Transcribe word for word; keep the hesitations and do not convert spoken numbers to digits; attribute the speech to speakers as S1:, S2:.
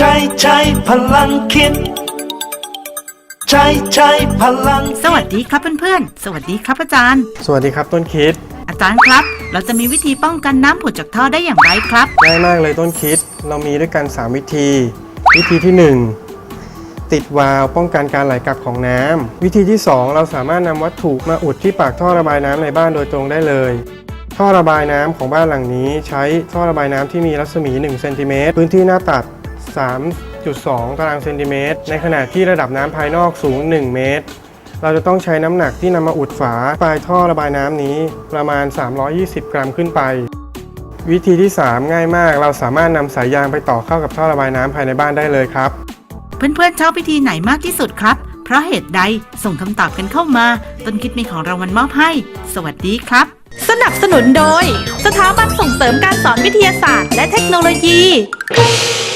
S1: ช้ใช้พลังคิดใช้ใช้พลัง
S2: สวัสดีครับเพื่อนๆสวัสดีครับอาจารย์
S3: สวัสดีครับต้นคิด
S2: อาจารย์ครับเราจะมีวิธีป้องกันน้ำผุดจากท่อได้อย่างไรครับ
S3: ง่ายมากเลยต้นคิดเรามีด้วยกันสามวิธีวิธีที่หนึ่งติดวาล์วป้องกันการไหลกลับของน้ำวิธีที่สองเราสามารถนำวัตถุมาอุดที่ปากท่อระบายน้ำในบ้านโดยตรงได้เลยท่อระบายน้ำของบ้านหลังนี้ใช้ท่อระบายน้ำที่มีรัศมีหนึ่งเซนติเมตรพื้นที่หน้าตัด สามจุดสอง ตารางเซนติเมตรในขณะที่ระดับน้ำภายนอกสูงหนึ่งเมตรเราจะต้องใช้น้ำหนักที่นำมาอุดฝาปลายท่อระบายน้ำนี้ประมาณสามร้อยยี่สิบกรัมขึ้นไปวิธีที่สามง่ายมากเราสามารถนำสายยางไปต่อเข้ากับท่อระบายน้ำภายในบ้านได้เลยครับ
S2: เพื่อนๆชอบวิธีไหนมากที่สุดครับเพราะเหตุใดส่งคำตอบกันเข้ามาต้นคิดมีของรางวัลมอบให้สวัสดีครับ
S4: สนับสนุนโดยสถาบันส่งเสริมการสอนวิทยาศาสตร์และเทคโนโลยี